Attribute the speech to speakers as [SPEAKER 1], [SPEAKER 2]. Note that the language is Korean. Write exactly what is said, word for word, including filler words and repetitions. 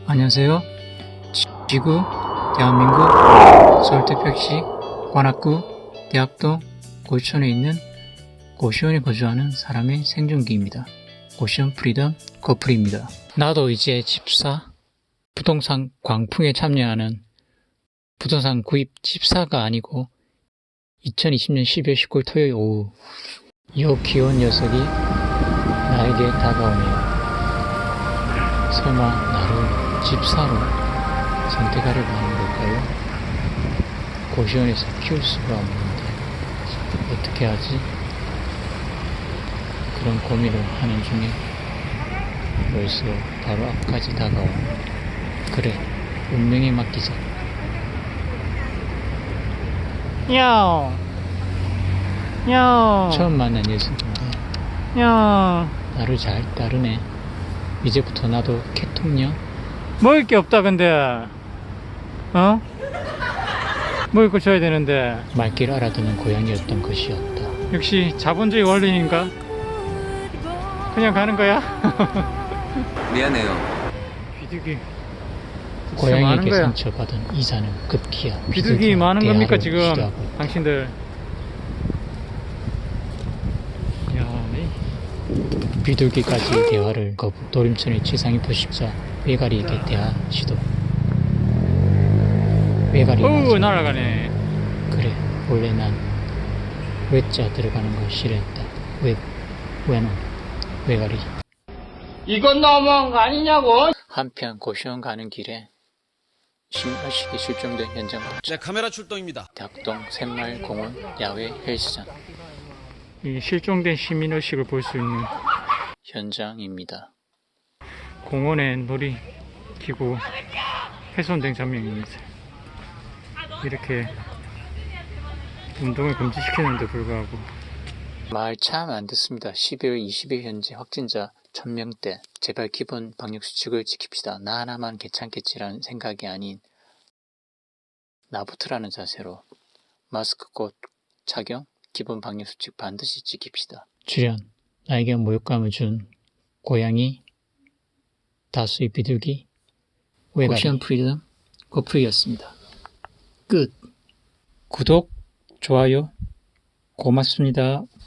[SPEAKER 1] 안녕하세요. 지구, 대한민국, 서울특별시 관악구 대학동 고시촌에 있는 고시원에 거주하는 사람의 생존기입니다. 고시원 프리덤 커플입니다. 나도 이제 집사, 부동산 광풍에 참여하는 부동산 구입 집사가 아니고 이천이십 년 십이월 십구일 토요일 오후 이 귀여운 녀석이 나에게 다가오네요. 설마 나를 집사로 선택하려고 하는 걸까요? 고시원에서 키울 수가 없는데 어떻게 하지? 그런 고민을 하는 중에 벌써 바로 앞까지 다가온 그래, 운명에 맡기자. 야옹 야옹 처음 만난 녀석인데 야옹 나를 잘 따르네. 이제부터 나도 개통령? 먹을 게 없다 근데 어? 먹을 거 줘야 되는데 말귀를 알아듣는 고양이였던 것이었다. 역시 자본주의 원리인가? 그냥 가는 거야?
[SPEAKER 2] 미안해요.
[SPEAKER 1] 비둘기 고양이에게 상처받은 이사는 급기야 비둘기 많은 겁니까 지금 당신들? 야, 비둘기까지 대화를 거부. 노림천의 지상이 부십자 외가리에게 대화 시도. 외가리 오 날아가네. 그래, 원래 난 외자 들어가는 걸 싫어했다. 외, 외놈, 외가리. 이건 너무한 거 아니냐고. 한편 고시원 가는 길에 신의식이 실종된 현장 포착.
[SPEAKER 2] 네, 카메라 출동입니다.
[SPEAKER 1] 대학동 샘마을공원 야외 헬스장. 이 실종된 시민의식을 볼 수 있는 현장입니다. 공원에 놀이기구 훼손된 장면입니다. 이렇게 운동을 금지시키는데 불구하고 말 참 안 듣습니다. 십이월 이십일 현재 확진자 천 명대. 제발 기본 방역수칙을 지킵시다. 나 하나만 괜찮겠지라는 생각이 아닌 나부터라는 자세로 마스크 꼭 착용, 기본 방역수칙 반드시 지킵시다. 출연, 나에게 모욕감을 준 고양이, 다수의 비둘기, 외가리. 고시원 프리덤 고프리였습니다. 끝. 구독, 좋아요 고맙습니다.